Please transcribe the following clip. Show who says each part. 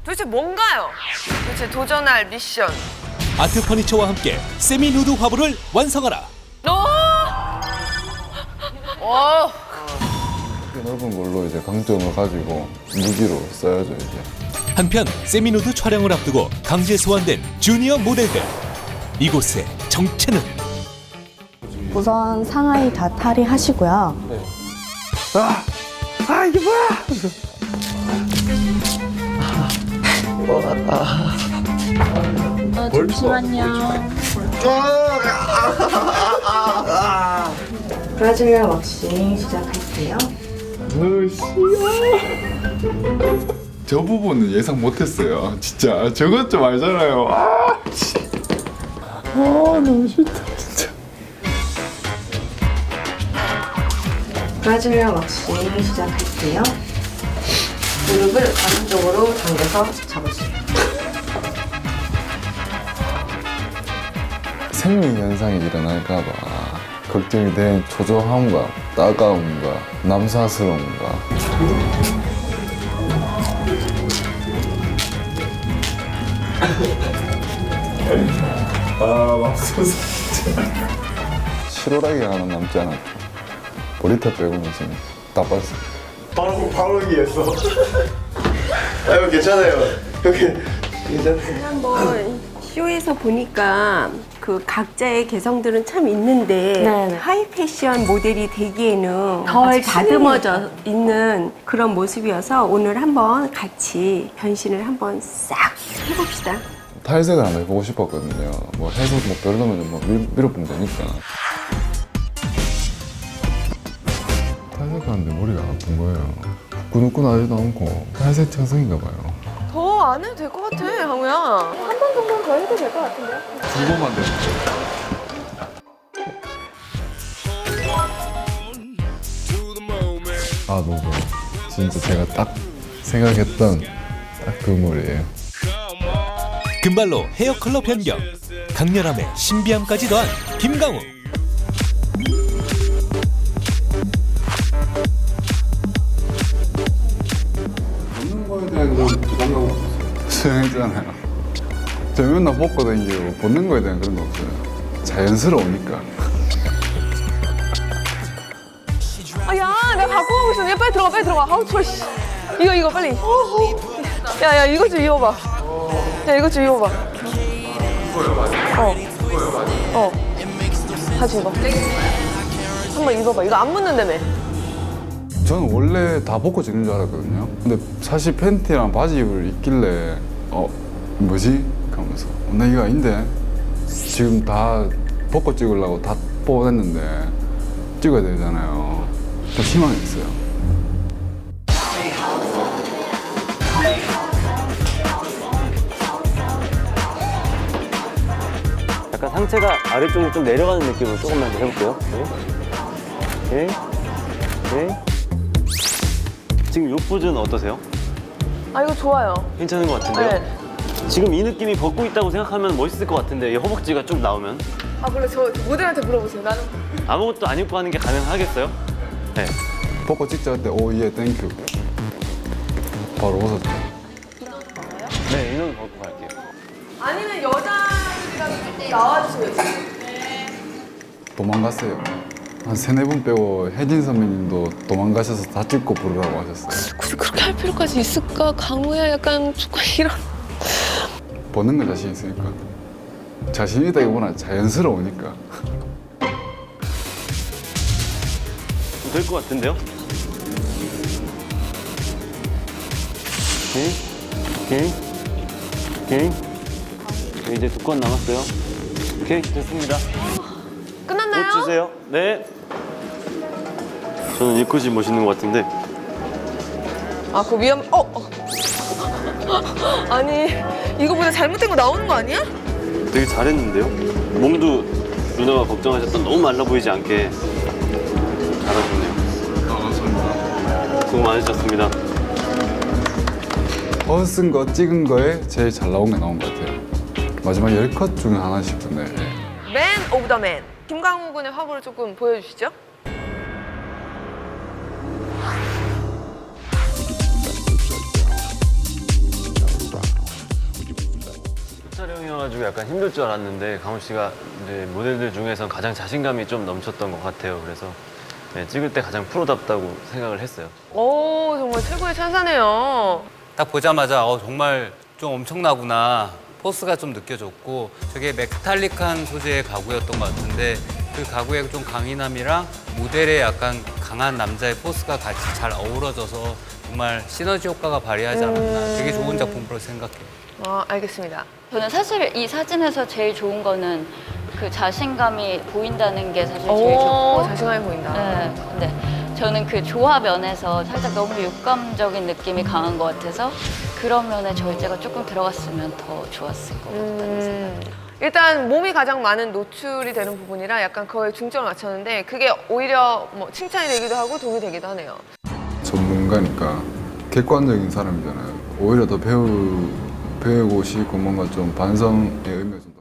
Speaker 1: 도대체 뭔가요? 도대체 도전할 미션.
Speaker 2: 아트 퍼니처와 함께 세미 누드 화보를 완성하라.
Speaker 1: 오!
Speaker 3: 넓은 걸로 이제 강점을 가지고 무기로 써야죠 이제.
Speaker 2: 한편 세미 누드 촬영을 앞두고 강제 소환된 주니어 모델들. 이곳의 정체는?
Speaker 4: 우선 상하이 다 탈의하시고요.
Speaker 3: 이게 뭐야?
Speaker 4: 잠시만요. 브라질리아 왁싱 시작할게요.
Speaker 3: 저 부분은 예상 못했어요. 진짜 저것 좀 알잖아요. 너무 싫다 진짜.
Speaker 4: 브라질리아 왁싱 시작할게요. 무릎을 가슴쪽으로 당겨서 잡으세요.
Speaker 3: 생리 현상이 일어날까봐 걱정이 된 초조함과 따가움과 남사스러움과 맙소사 진짜. 실오라기 하나 남지 않았죠. 보리탑 빼고는 지금 다 빠졌어요.
Speaker 5: 바로 위에서. 아유 괜찮아요. 여기 괜찮아요.
Speaker 6: 한번 쇼에서 보니까 그 각자의 개성들은 참 있는데
Speaker 4: 네네.
Speaker 6: 하이 패션 모델이 되기에는
Speaker 4: 덜
Speaker 6: 덜 다듬어져 있는 그런 모습이어서 오늘 한번 같이 변신을 한번 싹 해봅시다.
Speaker 3: 탈색을 한번 해보고 싶었거든요. 뭐 해서 뭐 별로면 뭐 밀어보면 되니까. 탈색하는데 머리가 아픈 거예요. 꾸덕꾸덕하지도 않고 탈색 천성인가 봐요.
Speaker 1: 더 안 해도 될 것 같아, 강우야. 한 번 정도는 더 해도 될 것 같은데요?
Speaker 3: 두 번만 되면 너무 좋아. 진짜 제가 딱 생각했던 딱 그 머리예요.
Speaker 2: 금발로 헤어 컬러 변경. 강렬함에 신비함까지 더한 김강우.
Speaker 3: 벗는 거에 대한 건 부담감 없어요. 수영했잖아요. 저 맨날 벗고 다니고 벗는 거에 대한 그런 거 없어요. 자연스러우니까.
Speaker 1: 아, 야, 내가 갖고 가고 있었는데. 빨리 들어가, 빨리 들어가. 아우, 추워, 씨. 이거, 빨리. 야, 야, 이것 좀 입어봐. 야, 이것 좀 입어봐. 다시 입어. 한번 입어봐. 이거 안 묻는다며.
Speaker 3: 저는 원래 다 벗고 찍는 줄 알았거든요. 근데 사실 팬티랑 바지 입을 입길래 뭐지? 하면서 나 이거 아닌데 지금 다 벗고 찍으려고 다 뽑아냈는데 찍어야 되잖아요. 좀 실망했어요.
Speaker 5: 약간 상체가 아래쪽으로 좀 내려가는 느낌으로 조금만 더 해볼게요. 네. 네. 지금 이 포즈는 어떠세요?
Speaker 1: 아, 이거 좋아요.
Speaker 5: 괜찮은 것 같은데요?
Speaker 1: 네.
Speaker 5: 지금 이 느낌이 벗고 있다고 생각하면 멋있을 것 같은데 이 허벅지가 쭉 나오면
Speaker 1: 아, 그래, 저 모델한테 물어보세요. 나는.
Speaker 5: 아무것도 안 입고 하는 게 가능하겠어요? 네.
Speaker 3: 벗고 찍자 할 때 오 예 땡큐 바로 벗었죠.
Speaker 5: 네, 인원 벗고 갈게요.
Speaker 1: 아니면 여자들이랑 나와주세요.
Speaker 3: 도망갔어요. 한 세네 분 빼고 혜진 선배님도 도망가셔서 다 찍고 부르라고 하셨어요.
Speaker 7: 굳이 그렇게 할 필요까지 있을까? 강우야 약간 조금 이런.
Speaker 3: 보는 거 자신 있으니까. 자신 있다기보다 자연스러우니까.
Speaker 5: 될 것 같은데요? 오케이. 오케이. 오케이. 이제 2건 남았어요. 오케이, 됐습니다.
Speaker 1: 끝났나요?
Speaker 5: 옷 주세요. 네. 저는 이 컷이 멋있는 것 같은데.
Speaker 1: 아, 그 아니, 이거보다 잘못된 거 나오는 거 아니야?
Speaker 5: 되게 잘했는데요? 몸도 누나가 걱정하셨던 너무 말라 보이지 않게 잘하셨네요. 수고 많으셨습니다.
Speaker 3: 벗은 거 찍은 거에 제일 잘 나온 게 나온 것 같아요. 마지막 10컷 중에 하나 싶은데.
Speaker 1: 맨 오브 더 맨. 김강우 군의 화보를 조금 보여주시죠.
Speaker 5: 많아가지고 약간 힘들 줄 알았는데 강훈 씨가 이제 모델들 중에서 가장 자신감이 좀 넘쳤던 것 같아요. 그래서 네, 찍을 때 가장 프로답다고 생각을 했어요.
Speaker 1: 오, 정말 최고의 찬사네요.
Speaker 8: 딱 보자마자 정말 좀 엄청나구나. 포스가 좀 느껴졌고 저게 메탈릭한 소재의 가구였던 것 같은데 그 가구의 좀 강인함이랑 모델의 약간 강한 남자의 포스가 같이 잘 어우러져서 정말 시너지 효과가 발휘하지 않았나. 되게 좋은 작품으로 생각해요.
Speaker 1: 알겠습니다.
Speaker 9: 저는 사실 이 사진에서 제일 좋은 거는 그 자신감이 보인다는 게 사실 제일
Speaker 1: 오,
Speaker 9: 좋고.
Speaker 1: 자신감이 보인다.
Speaker 9: 네, 근데 저는 그 조화 면에서 살짝 너무 육감적인 느낌이 강한 것 같아서 그런 면에 절제가 조금 들어갔으면 더 좋았을 것 같다는 생각이.
Speaker 1: 일단 몸이 가장 많은 노출이 되는 부분이라 약간 그거에 중점을 맞췄는데 그게 오히려 뭐 칭찬이 되기도 하고 도움이 되기도 하네요.
Speaker 3: 전문가니까 객관적인 사람이잖아요. 오히려 더 배우고 싶고 뭔가 좀 반성의 의미가 좀 더